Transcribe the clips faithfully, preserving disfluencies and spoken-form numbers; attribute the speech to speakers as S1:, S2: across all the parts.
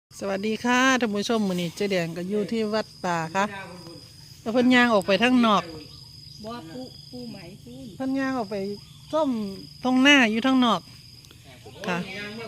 S1: สวัสดีค่ะท่านผู้ชมมื้อนี้เจ๊แดงก็อยู่ที่วัดป่าค่ะแล้วเพิ่นย่างออกไปทางนอก
S2: บ่ปูปูไหมปูน
S1: เพิ่นย่างออกไปส้มตรงหน้าอยู่ทางนอกค่ะ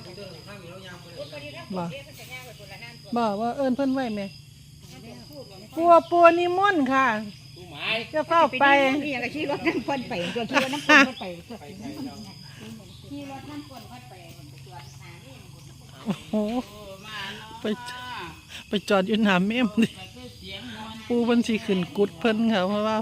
S1: บ่บ่ว่าเอิ้นเพิ่นไว้แม่ปัวปัวนิมนต์ค่ะจะเข้าไป
S2: นี่ยังขี่รถน้ำคนไปตัวขี่รถน้ำคนไปขี่รถน้ำคนไปตัวหานี่
S1: โอ้โหไปไปจอดอยู่หน้าเมมดิปูเพิ่นสิขึ้นกุดเพิ่นค่ะเพราะว่า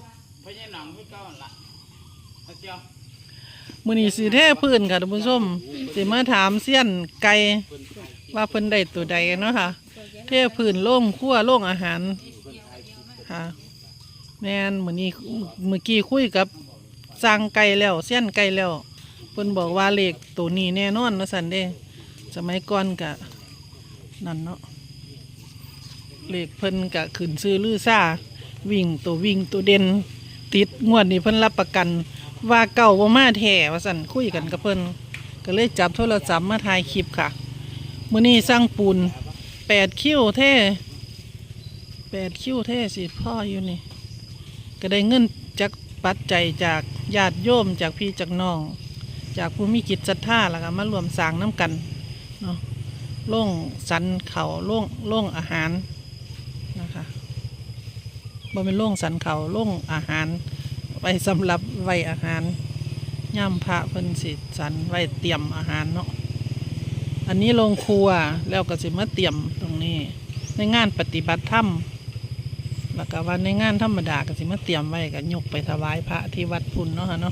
S1: มื้อนี้สิเทพื้นค่ะท่านผู้ชมสิมาถามเซียนไก่ว่าเพิ่นได้ตัวใดเนาะค่ะเทพื้นโล่งครัวโล่งอาหารค่ะแม่นมื้อนี้เมื่อกี้คุยกับสร้างไก่แล้วเซียนไก่แล้วเพิ่นบอกว่าเลขตัวนี้แน่นอนว่าซั่นเด้สมัยก่อนก็นั่นเนาะเลขเพิ่นก็ขึ้นซื้อลือซ่าวิ่งตัววิ่งตัวเด่นติดงวดนี้เพิ่นรับประกันว่าเก่าบ่มาแท้ว่าซั่นคุยกันกับเพิ่นก็เลยจับโทรศัพท์มาถ่ายคลิปค่ะมื้อนี้สร้างปูนแปดคิ้วเท่แปดคิ้วเท่สิพ่ออยู่นี่ก็ได้เงินจากปัจจัยจากญาติโยมจากพี่จากน้องจากผู้มีจิตศรัทธาแล้วก็มารวมสร้างน้ำกันเนาะโล่งสันเขาโล่งโล่งอาหารนะคะบ่เป็นโล่งสันเขาโล่งอาหารไว้สำหรับไว้อาหารย่ำพระเพิ่นสิสันไว้เตรียมอาหารเนาะอันนี้โรงครัวแล้วก็สิมาเตรียมตรงนี้ในงานปฏิบัติธรรมแล้วก็วันในงานธรรมดาก็สิมาเตรียมไว้ก็ยกไปถวายพระที่วัดพุ่นเนาะค่ะเนาะ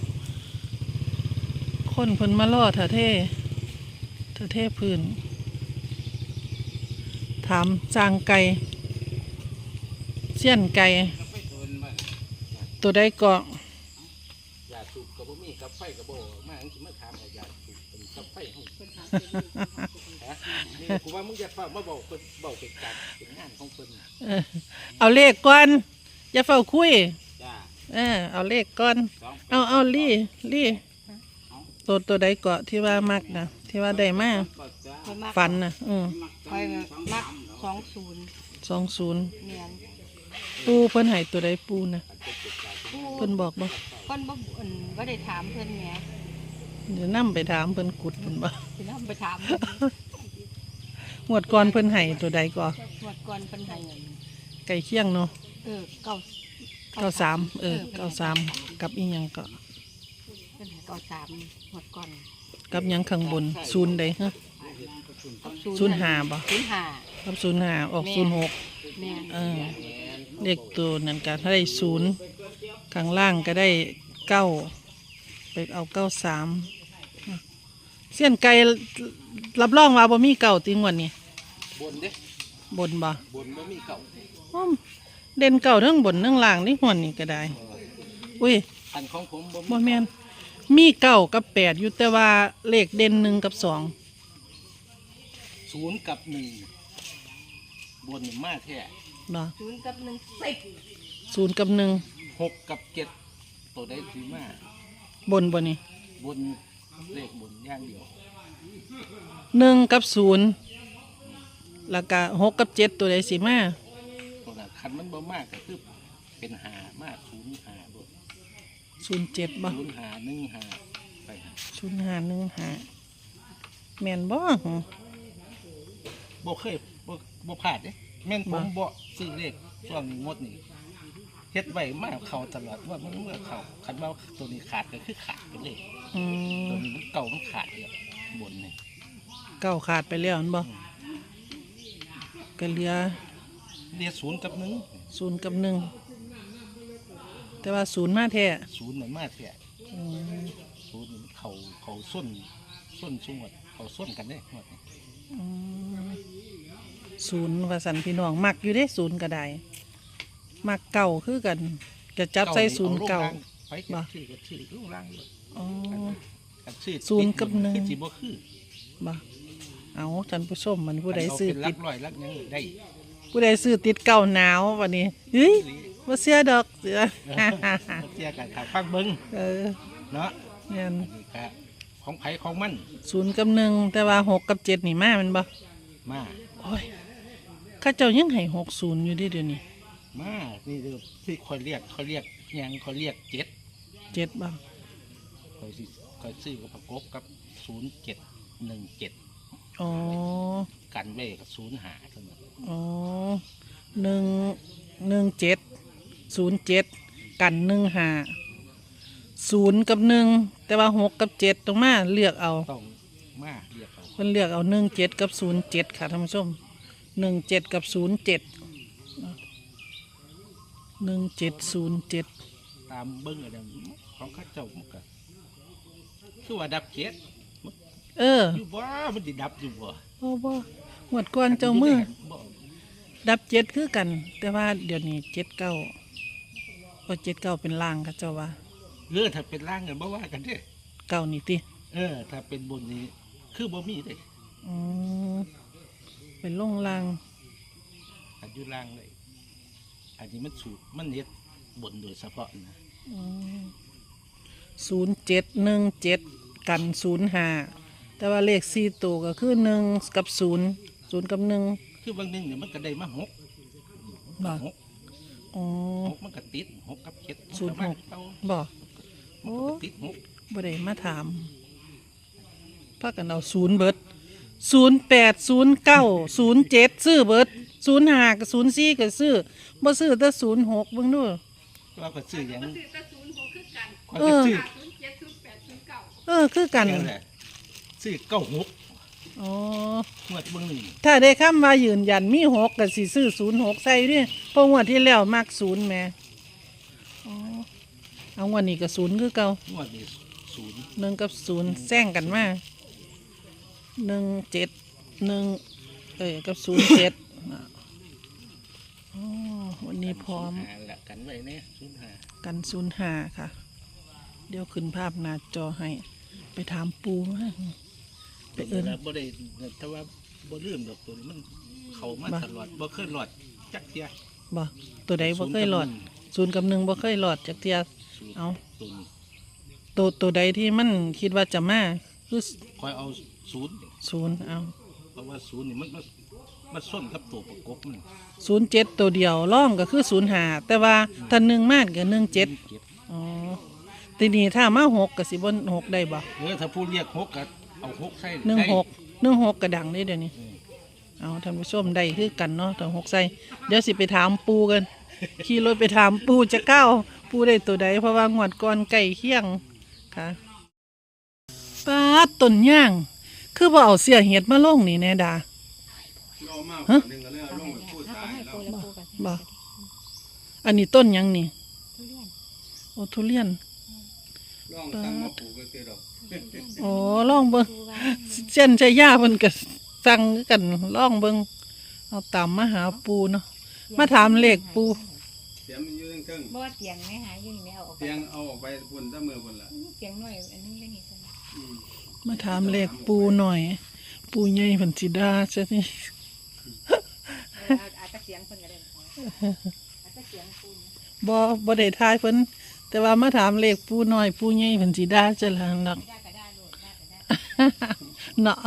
S1: คนเพิ่นมาล่อเถอะเท่เถอะเท่พื้นถามจางไก่เสี้ยนไก่ตัวใดเกาะ
S3: ยาสูบกับบ่มีกับไฟกับบ่มาอันสิมาถามเอายาสูบเป็นกับไฟเฮาเพิ่นถามฮะนี่กูว่ามึงอย่าเฝ้ามาบอกเพิ่นเว้าเป็นการเป็นงานของเพิ่น
S1: เอาเลขก่อนอย่าเฝ้าคุย
S3: จ้า
S1: เออเอาเลขก่อนเอาเอาลี่ลี่ตัวตัวใดเกาะที่ว่ามักนะที่ว่าได้มาฟันนะอืม
S2: คอยมักสองศูนย์
S1: สองศูนย์
S2: เนียน
S1: ปูเพิ่นให้ตัวใดปูนะเพิ่นบอกบ่
S2: เพิ่นบ่อั่นบ่ได้ถามเพิ่นแหม
S1: เดี๋ยวนํไปถามเพิ่นกุดเพิ่นบ่
S2: สินำไปถาม
S1: งวดก่อนเพิ่นให้ตัวใดก่อน
S2: งวดก่อนเพิ่นให้
S1: ไก่เคียงเนาะ
S2: เออเก้า
S1: เก้าสามเออเก้าสามกับอีหยังก็
S2: เพิ่นให้เก้าสามงวดก่อน
S1: กับหยังข้างบนศูนย์ใดฮะศูนย์ห้าบ่
S2: ศูนย์ห้า
S1: กับศูนย์ห้าออกศูนย์หกเออเลขตัวนั้นก็ได้ศูนย์ข้างล่างก็ได้เก้าไปเอาเก้าสามเสี้ยนไก่รับรองว่าบ่มีเก่าติงวันนี้
S3: บนเด้
S1: บนบ่
S3: บนบ่มีเก่า
S1: เด่นเก่าทั้งบนทั้งล่างนี่หัวนี่ก็ได้อุ้ย
S3: อันของผมบ่
S1: บ่แม่นมีเก้ากับแปดอยู่แต่ว่าเลขเด่นหนึ่งกับสอง
S3: ศูนย์กับหนึ่งบนมาแท้
S1: บ่
S2: ศูนย์กับหนึ่งสิบ
S1: ศูนย์กับหนึ่ง
S3: หกกับเจ็ดตัวใดสิมา
S1: บนบ่นี่
S3: บนเลขบนอย่างเดียว
S1: หนึ่งกับศูนย์แล้วก็หกกับเจ็ดตัวใดสิมา
S3: ตัวนั้นคันมันบ่มากก็คือเป็นหามากศูนย์หาบ่
S1: ศูนย์เจ็ดบ่
S3: ศูนย์หาหนึ่งหาไป
S1: ศูนย์หาหนึ่งหาแม่นบ่
S3: บ่เคยบ่บ่พลาดเด้แม่นผมบ่ซื้อเลขช่วงงดนี่เฮ็ดไว้มาเข้าตลอดว่ามันเมื่อเข้าคันว่าตัวนี้ขาดก็คือขาดไปเลย
S1: อืม
S3: ตัวนี้มันเก่ามันขาดแล้วบนนี่
S1: เก่าขาดไปแล้วนั่นบ่ก็เหลือ
S3: เหลือศูนย์กับหนึ่ง
S1: ศูนย์กับหนึ่งแต่ว่าศูนย์มาแท้
S3: ศูนย์มันมาแท้ศูนย์เขาเขาส้นส้นสงวดเขาส้นกันได้หมด
S1: ศูนย์ว่าสันพี่น้องมักอยู่ได้ศูนย์ก็ได้มักเก่าคือกันจะจับใส่ศูนย์เก่า
S3: บ่ชื่อกับชื่อลูกล่างเลย
S1: อ๋อ
S3: ศูนย์กับหนึ่ง
S1: คือบ่คือบ่เอาท่านผู้ชมมันผู้ใดซื้อติด
S3: ร้อยลักยังได้
S1: ผู้ใดซื้อติดเก่าหนาววันนี้เฮ้ยบ่เสียดอกเสือ
S3: เสียกันขาฟังเบิ้ง
S1: เออ
S3: เนาะ
S1: เนี่ย
S3: ของไผของมัน
S1: ศูนย์กับหนึ่งแต่ว่าหกกับเจ็ดนี่มามันบ่
S3: มา
S1: โอ้ยเข้าเจ้ายังให้หกศูนย์อยู่เดิเดี๋ยวนี้
S3: มานี่เด้อที่คอยเรียกเขาเรียกหยังเขาเรียกเจ็ด
S1: เจ็ดบ้าง
S3: คอยสิคอยซื้อกับประกบกับศูนย์เจ็ดหนึ่งเจ็ด
S1: อ๋อ
S3: กันไว้กับศูนย์หาเท่านั้น
S1: อ๋อหนึ่งหนึ่งเจ็ดศูนย์เจ็ดกันหนึ่งหาศูนย์กับหนึ่งแต่ว่าหกกับเจ็ดตรงมาเลือกเอา
S3: ต้องมาเรียกเอา
S1: เพิ่นเลือกเอาหนึ่งเจ็ดกับศูนย์เจ็ดค่ะท่านผู้ชมหนึ่งเจ็ดกับศูนย์เจ็ดหนึ่งเจ็ดศูนย์เจ็ด
S3: ตามเบิ้งอะไรของเข้าเจ้ามันก็คือว่าดับเจ็ด
S1: เออ
S3: อยู่บ่มันสิดับอยู่บ่
S1: บ่บ่หมดก่อนเจ้ามือ
S3: บ่
S1: ดับเจ็ดคือกัน แต่ว่าเดี๋ยวนี้เจ็ดเก้าพอเจ็ดเก้าเป็นล่างค่ะเจ้าว่า
S3: เออถ้าเป็นล่างกันบ่ว่ากันเด้
S1: เก้านี่ติ
S3: เออ ถ้าเป็นบนนี้คือบ่มีเด้
S1: อืมเป็นลงล่าง
S3: อันอยู่ล่างเลยอันนี้มันสูตรมันเฮ็ดบนโดยเฉพาะนะ
S1: ศูนย์เจ็ดหนึ่งเจ็ดกันศูนย์ห้าแต่ว่าเลขสี่ตัวก็คือหนึ่งกับศูนย์ศูนย์กับหนึ่ง
S3: คือบางนึงเนี่ยมันก็ได้มาหก
S1: บ่
S3: หก
S1: อ๋อ
S3: หกมันก็ติดหกกับเจ็ด
S1: ศูนย์หก
S3: เก้า
S1: บ่
S3: มัน
S1: โอ้
S3: ก็ติดหก
S1: บ่ได้มาถามพากันเอาศูนย์เบิดศูนย์แปดศูนย์เก้าศูนย์เจ็ดซื้อเบิดศูนย์ห้ากับศูนย์สี่ก็ซื้อบ่ซื้อแต่ศูนย์หกเบิ่งดู
S3: เราก็ซื้ออย่าง
S2: ซื้อแต่ศูนย์หกคือกัน
S3: ข้อยก็ซื้อ
S2: ศูนย์เจ็ดศูนย์แปดศูนย์เก้า
S1: เออคือกัน
S3: นั่นแหละซื้อเก้าหก
S1: อ๋อ
S3: งวดเบางหนึ่ง
S1: ถ้าได้คำว่ายืนยันมีหกก็สิซื้อศูนย์หกใส่ดิเพราะงวดที่แล้วมักศูนย์แหม่อ๋อเอางวดนี้ก็ศูนย์คือเก่าง
S3: วดนี้ศูนย์
S1: หนึ่งกับศูนย์แซงกันมาหนึ่งเจ็ดหนึ่งเอ้ยกับศูนย์เจ็ดอ๋อวันนี้พร้อม
S3: หาละกันไว้เนี่ยศูนย์หา
S1: กันศูนย์ห้าค่ะ เดี๋ยวขึ้นภาพหน้าจอให้ ไปถามปูมาไปเอิน
S3: แล้วบ่ได้แต่ว่าบ่ลืมดอกตัวนี้มันเข้ามา
S1: บ่
S3: ตลอดบ่เคยหลอดจักเทีย
S1: บ่ตัวใดบ่เคยหลอดศูนย์กับหนึ่งบ่เคยหลอดจากเทีย
S3: ศูนย์
S1: เอา
S3: ตัวนี้
S1: ตัวตัวใดที่มันคิดว่าจะมาคือ
S3: คอยเอาศูนย์
S1: ศูนย์เอา
S3: เพราะว่าศูนย์นี่มันมันมันส้นกับตัวประกบมัน
S1: ศูนย์เจ็ดตัวเดียวร่องก็คือศูนย์ห้าแต่ว่าถ้าหนึ่งมากก็หนึ่งเจ็ด
S3: เจ็ด
S1: อ๋อทีนี้ถ้ามาหกก็สิบนหกได้บ่
S3: เออถ้าผู้เรียกหกก็เอาหกใส่
S1: หนึ่ง
S3: ได้
S1: หกหนึ่งหกกระดังได้เดี๋ยวนี้
S3: อืม
S1: เอาท่านผู้ชมได้คือกันเนาะถ้าหกใส่เดี๋ยวสิไปถามปูกัน ขี่รถไปถามปูจะก้าวปูได้ตัวใดเพราะว่างวดก่อนไก่เคียงค่ะปาดต้นย่าง คือบ่เอาเสียเห็ดมาลงนี่แน่ดาฮะบ่อันนี้ต้นหยังนี่ โอทุเรียนปาดโอ้ลองเบิ่งเช่นใช้ยาเพิ่นก็สั่งคือกันลองเบิ่งเอาตามมาหาปูเนาะมาถามเลขปู
S4: เสียงมันอยู่เทิง
S2: บ่ว่าเตียงไหมหาอยู่นี่ไม่เอาออก
S4: ๆ
S2: ไป
S4: เสียงเอาออกไปพุ่นตะมือพุ่นละ
S2: เตียงน้อยอันนึงได้นี่ซั่น
S4: อืม
S1: มาถามเลขปูหน่อย ปูใหญ่เพิ่นสิด่าซะนี่
S2: เอาอาจจะเสียงเพิ่นก็ได้อาจจะเสียงปูน
S1: บ่บ่ได้ทายเพิ่นแต่ว่ามาถามเลขปูหน่อยปูใหญ่เพิ่นสิด่าจังล่ะนัก
S2: ได้ก็ได้โลดได้ก็ได้
S1: เนาะ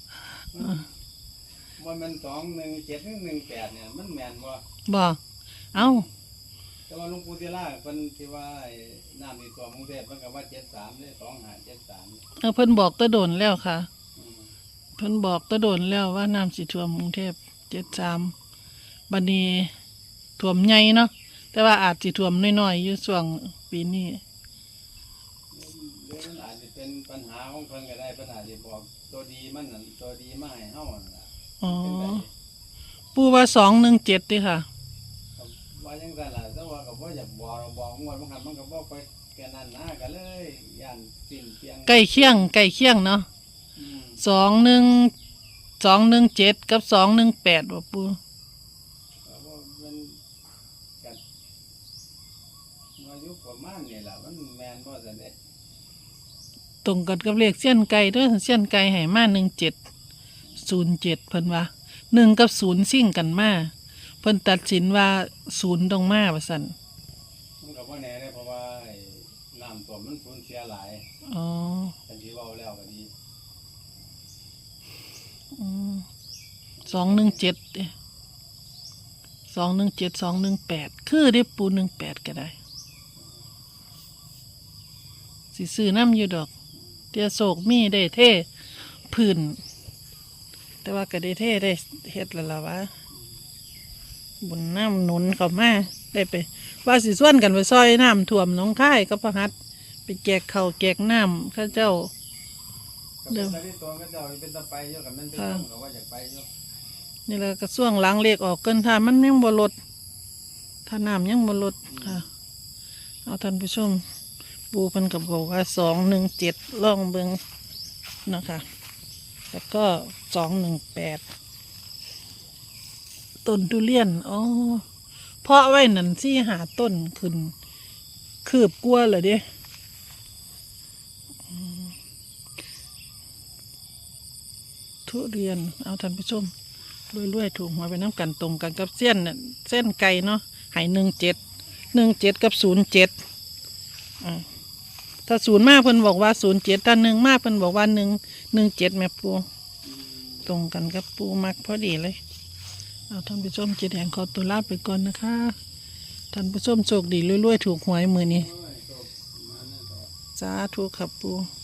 S4: ว่ามันสองหนึ่งเจ็ดหนึ่งแปดเนี่ยมันแม่นว่า
S1: บ่เอ้า
S4: แต่ว่าหลุงปู่ศิลาเพิ่นที่ว่าไอ้น้ำในตัวกรุงเทพเพิ่นก็ว่าเจ็ดสามเลยสองห้าเจ็ดสาม
S1: เออเพิ่นบอกแตะโดนแล้วค่ะ
S4: อืม
S1: เพิ่นบอกแตะโดนแล้วว่าน้ำสิท่วมกรุงเทพเจ็ดสามบัดนี้ท่วมใหญ่เนาะแต่ว่าอาจสิท่วมน้อยๆอยู่ช่วงปีนี้
S4: หรือมันอาจจะเป็นปัญหาของเพิ่นก็ได้เพิ่นอาจจะบอกตัวดีมันนั่นตัวดีมาให้เฮานั่นล่ะ
S1: อ๋อ
S4: เป็นไป
S1: ปูว่าสองหนึ่งเจ็ดดิค่ะ
S4: ก็ว่าจังซั่นล่ะแต่ว่าก็บ่อยากบอกบอกงวดมันหันมันก็บ่ไปแค่นั้นนะก็เลยย่านสิ้นเสียง
S1: ใกล้เคียงใกล้เคียงเนาะ
S4: อืม
S1: สองหนึ่งสองหนึ่งเจ็ดกับสองหนึ่งแปดบ่ปู
S4: ก็บ่มันก็อายุประมาณนี่ล่ะมันแม่นบ่ซั่นเด้
S1: ตรงกันกับเลขเสี้ยนไก่เด้วยเสี้ยนไก่ให้มาหนึ่งเจ็ดศูนย์เจ็ดเพิ่นว่าหนึ่งกับศูนย์ซิ่งกันมาเพิ่นตัดสินว่าศูนย์ต้องมาว่าซั่น
S4: มันก็บ่แน่เด้เพราะว่าไอ้น้ำท่วมมันสูญเสียหลาย
S1: อ๋อ
S4: อันที่เว้าแล้วก็ดี
S1: สองหนึ่งเจ็ดสองหนึ่งเจ็ดสองหนึ่งแปดคือได้ปูหนึ่งแปดก็ได้สิซื้อน้ำอยู่ดอกเตียโศกมีได้เท่พื้นแต่ว่าก็ได้เท่ได้เฮ็ดแล้วล่ะวะบุญน้ำหนุนเข้ามาได้ไปว่าสิส่วนกันไปซอยน้ำท่วมหน้องค่ายกับพระหัตถ์ไปแจกข้าวแจกน้ำข้าเจ้า
S4: เดี๋ยวตอนนี้ตัวก็จะเป็นตะไปเยอะกับมันเป็นต้นก็ว่าอยากไปเยอะ
S1: นี่แหละกระส่วงหล้างเลขออกเกินถ้ามันยังบ่ลดถ้าน้ำยังบ่ลดค่ะเอาท่านผู้ชมปูเพิ่นกับบอกว่าสองหนึ่งเจ็ดลองเบิ่งนะคะแล้วก็สองหนึ่งแปดต้นทุเรียนอ๋อเพาะไว้นั่นสี่หาต้นขึ้นคืบกลัวเลยเด้อืมทุเรียนเอาท่านผู้ชมรวยๆถูกหัวไปน้ำกันตรงกันกับเส้นน่ะเส้นไก่เนาะหายหนึ่งเจ็ดหนึ่งเจ็ดกับศูนย์เจ็ดอ่าถ้าศูนย์มากเพิ่นบอกว่าศูนย์เจ็ดถ้าหนึ่งมากเพิ่นบอกว่าหนึ่งหนึ่งเจ็ดแม่ปูตรงกันกับปูมักพอดีเลยเอาท่านผู้ชมเจ็ดแห่งขอตัวลาไปก่อนนะคะท่านผู้ชมโชคดีรวยๆถูกหวยมือนี้สาธุครับปู